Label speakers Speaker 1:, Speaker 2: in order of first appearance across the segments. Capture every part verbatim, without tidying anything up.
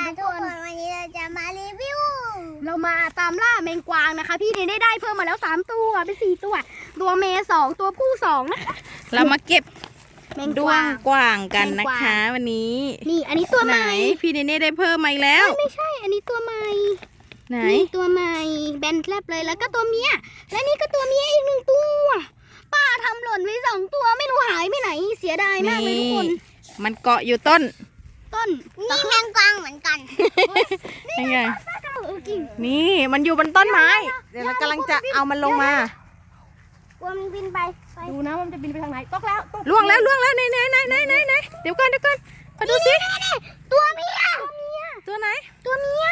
Speaker 1: ทุกคนวันนี้เราจะมารีวิว
Speaker 2: เรามาตามล่าแมงกวางนะคะพี่เนี่ยได้ได้เพิ่มมาแล้วสามตัวเป็นสี่ตัวตัวเมย์สองตัวผู้สองนะคะ
Speaker 3: เรามาเก็บ
Speaker 2: แมงก
Speaker 3: ด้ว
Speaker 2: วาง ง
Speaker 3: กวางกันนะคะ วันนี้
Speaker 2: นี่อันนี้ตัวให
Speaker 3: ไหน
Speaker 2: ม่
Speaker 3: พี่เนเน่ได้เพิ่มมาอีกแล้ว
Speaker 2: ไม่ใช่อันนี้ตัวใหม่
Speaker 3: ไหน
Speaker 2: นี่ตัวใหม่แบนแลบเลยแล้วก็ตัวเมียและนี่ก็ตัวเมียอีกหนึ่งตัวป้าทำหล่นไว้สองตัวไม่รู้หายไปไหนเสียดายมากเลยทุกคน
Speaker 3: มันเกาะอยู่ต้น
Speaker 2: ต้น
Speaker 1: นี่แมงกวางเหมือนกัน
Speaker 3: นี่ไง
Speaker 2: เออจริง
Speaker 3: นี่มันอยู่บนต้นไม้ เดี๋ยวเรากำลังจะเอามันลงมา
Speaker 1: กลัวมันบินไปไป
Speaker 2: ดูนะมันจะบินไปทางไหนตกแล้วตก
Speaker 3: ล่วงแล้วล่วงแล้วไหนไหนไหนไหนไหนไหนเดี๋ยวก่อนเดี๋ยวก่อนมาดูสิ
Speaker 1: ตัวเมีย
Speaker 3: ตัวไหน
Speaker 2: ตัวเมีย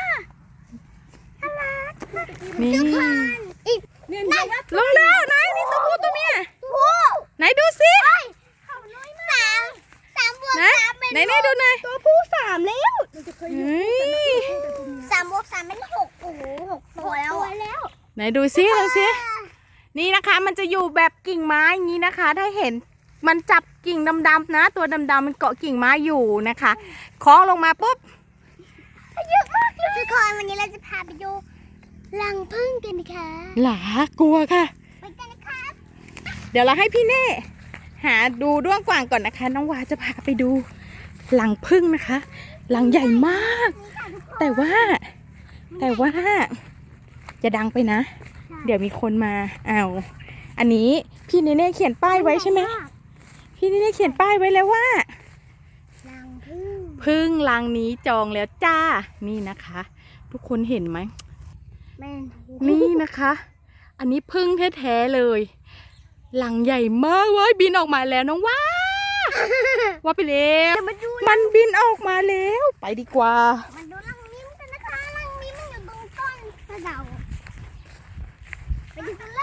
Speaker 3: นี่
Speaker 1: อีก
Speaker 2: เนี่ย
Speaker 3: ลงแล้วไหนนี่ตัวผู้ตัวเมีย
Speaker 1: โอ้
Speaker 3: ไหนดูสิ
Speaker 1: เขาน้อยมากสามสามบวก
Speaker 3: ไหน
Speaker 1: สามเป็น
Speaker 3: ไหนไหนดูหน่อย
Speaker 2: ตัวผู้สามแล้ว
Speaker 3: เฮ้ย
Speaker 1: สามบวกสามเป็นหกโอ้โหหกตัวแล้วอะ
Speaker 3: ไหนดูสิดูสินี่นะคะมันจะอยู่แบบกิ่งไม้อย่างนี้นะคะ ถ้าเห็นมันจับกิ่งดำๆนะ ตัวดำๆมันเกาะกิ่งไม้อยู่นะคะคล้องลงมาปุ๊บ
Speaker 1: เยอะมากเลยทุกคนวันนี้เราจะพาไปดูรังผึ้งกันนะคะ
Speaker 3: หลากลัวค่ะ
Speaker 1: ไปกันนะครับ
Speaker 3: เดี๋ยวเราให้พี่เน่หาดูด้วงกว่างก่อนนะคะ น้องวาจะพาไปดูหลังพึ่งนะคะหลังใหญ่มาก แต่ว่า แต่ว่า จะดังไปนะ เดี๋ยวมีคนมาเอาวอันนี้พี่เนเน่เขียนป้ายไว้ใช่ไหมพี่เนเน่เขียนป้ายไว้แล้วว่า
Speaker 1: รังผึ้ง
Speaker 3: พึ่งรังนี้จองแล้วจ้านี่นะคะ ทุกคนเห็นไหม
Speaker 1: แม่น
Speaker 3: นี่นะคะ อันนี้พึ่งแท้ๆเลยหลังใหญ่มากเว้ยบินออกมาแล้วน้องว่า ว่าไปแล้วมันบินออกมาแล้วไปดีกว่า
Speaker 1: มาดูรังมิ้มกันนะคะรังมิ้มมันอยู่ตรงต้นสะเดาไปดูกันเลย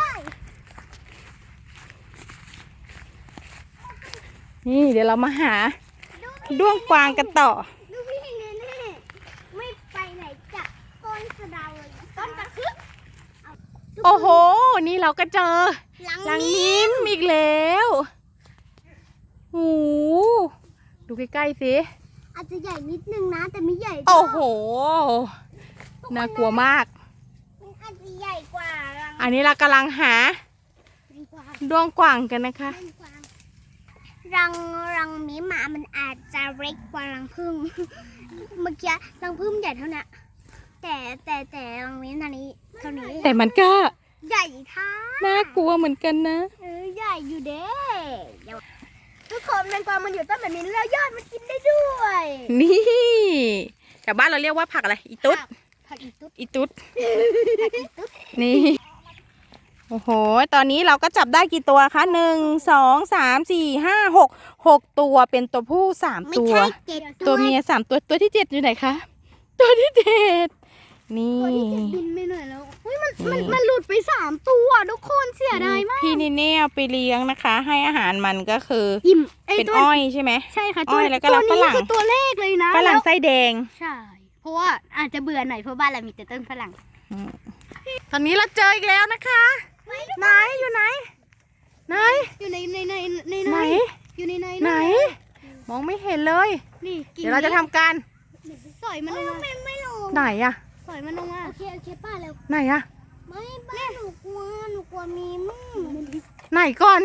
Speaker 3: นี่เดี๋ยวเรามาหาด้วงกวางกันต่อ
Speaker 1: ดูพี่เนเน่ไม่ไปไหนจากต้นสะเดาเลยต้นตะคึก
Speaker 3: โอ้โหนี่เราก็เจอ
Speaker 1: รัง
Speaker 3: รัง
Speaker 1: มิ้ม
Speaker 3: นิ้มอีกแล้วโอ้โหดูใกล้ๆสิ
Speaker 1: อาจจะใหญ่นิดนึงนะแต่ไม่ใหญ่
Speaker 3: โอ้โหน่ากลัวมาก
Speaker 1: มันอาจจะใหญ่กว่ารัง
Speaker 3: อันนี้เรากำลังหา
Speaker 1: แมงกวาง
Speaker 3: ด้วงกวางกันนะคะ
Speaker 1: แมงกวางรังรังมิ้มหมามันอาจจะเล็กกว่ารังผึ้ง เมื่อกี้รังผึ้งใหญ่เท่านี้แต่แต่แต่รังมิ้มตอนนี้เท่านี้
Speaker 3: แต่มันก็
Speaker 1: ใหญ่ท่า
Speaker 3: น่ากลัวเหมือนกันนะ
Speaker 1: เออใหญ่อยู่เด้เดี๋ยว
Speaker 2: ทุกคนแมงกวางมันอยู่ต้นแบบนี้แล้วยอดมันกินได้ด้วย
Speaker 3: นี่แต่บ้านเราเรียกว่าผักอะไรอีตุ๊ด
Speaker 1: ผักอีตุ๊ด
Speaker 3: อีตุ๊ดนี่โอ้โหตอนนี้เราก็จับได้กี่ตัวคะหนึ่งสองสามสี่ห้าหกหกตัวเป็นตัวผู้สาม
Speaker 1: ไม่
Speaker 3: ตัว
Speaker 1: ใช่เจ็ด
Speaker 3: ตัวเมียสามตัวตัวที่เจ็ดอยู่ไหนคะตัวที่เจ็ดนี่
Speaker 2: ตัวที่จะบินไปหน่อยแล้วเฮ้ยมันมันมันหลุดไปสามตัวทุกคนเสียดายมาก
Speaker 3: พี่นิเน่เอาไปเลี้ยงนะคะ ให้อาหารมันก็คือ
Speaker 2: อิ่มไอ
Speaker 3: เป็น
Speaker 2: ตัว
Speaker 3: อ้อยใช่ไหม
Speaker 2: ใช่ค่ะ
Speaker 3: อ้อยแล้วก็
Speaker 2: ตัว
Speaker 3: รับฝ
Speaker 2: นี้
Speaker 3: รั่ง
Speaker 2: คือตัวเลขเลยนะ
Speaker 3: ฝรั่ง
Speaker 2: แล้ว
Speaker 3: ไส้แดง
Speaker 2: ใช่ เพราะว่าอาจจะเบื่อหน่อยเพราะบ้านเรามีแต่ต้นฝรั่ง
Speaker 3: ตอนนี้เราเจออีกแล้วนะคะ ไหนอยู่ไหน ไหน
Speaker 2: อยู่ในในในใน
Speaker 3: ไหน
Speaker 2: อยู่ในใน
Speaker 3: ไหน มองไม่เห็นเลย
Speaker 2: นี่กิ่ง
Speaker 3: เดี๋ยวเราจะทำการ
Speaker 2: สอยมันลงมา
Speaker 1: ไม่ไม่ลง
Speaker 3: ไหนอะ
Speaker 2: สอยมันลงมา
Speaker 1: โอเคโอเคป้าเร็ว
Speaker 3: ไหนอะ
Speaker 1: ไม่ป้าหนูกลัวหนูกลัวมีมึง
Speaker 3: ไหนก่อน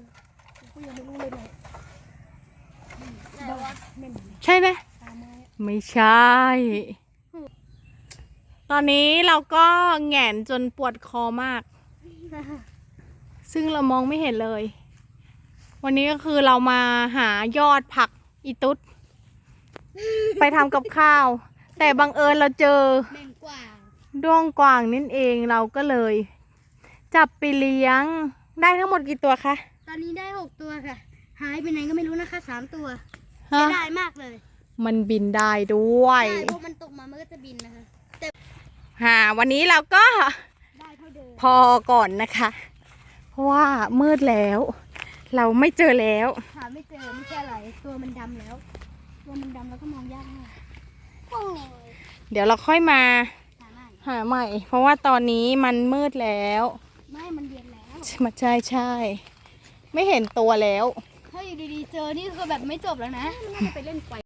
Speaker 3: ใช่ไหมไม่ใช่ ตอนนี้เราก็แหงนจนปวดคอมาก ซึ่งเรามองไม่เห็นเลย วันนี้ก็คือเรามาหายอดผักอีตุ๊ด ไปทำกับข้าว แต่บังเอิญเราเจอ
Speaker 2: แมงกวาง
Speaker 3: ด้วงกวางนั่นเองเราก็เลย จับไปเลี้ยงได้ทั้งหมดกี่ตัวคะ
Speaker 2: ตอนนี้ได้หกตัวค่ะ หายไปไหนก็ไม่รู้นะคะสามตัว
Speaker 3: ฮะ
Speaker 2: เสียดายมากเลย
Speaker 3: มันบินได้ด้วย
Speaker 2: ใช่เพราะมันตกมามันก็จะบินนะคะ
Speaker 3: หาวันนี้เราก็
Speaker 2: ได้เท่าเดิม
Speaker 3: พอก่อนนะคะ เพราะว่ามืดแล้ว เราไม่เจอแล้ว
Speaker 2: หาไม่เจอไม่ใช่อะไรตัวมันดำแล้ว ตัวมันดำแล้วก็มองยากมาก
Speaker 1: พวกนี้
Speaker 3: เดี๋ยวเราค่อยมา
Speaker 2: หาไม่
Speaker 3: หาใหม่ เพราะว่าตอนนี้มันมืดแล้ว
Speaker 2: ไม่มันเย็นแล้ว
Speaker 3: มาใช่ใช่ ไม่เห็นตัวแล้ว
Speaker 2: ถ้าอยู่ดีๆเจอนี่คือแบบไม่จบแล้วนะมันน่าจะไปเล่นไฟ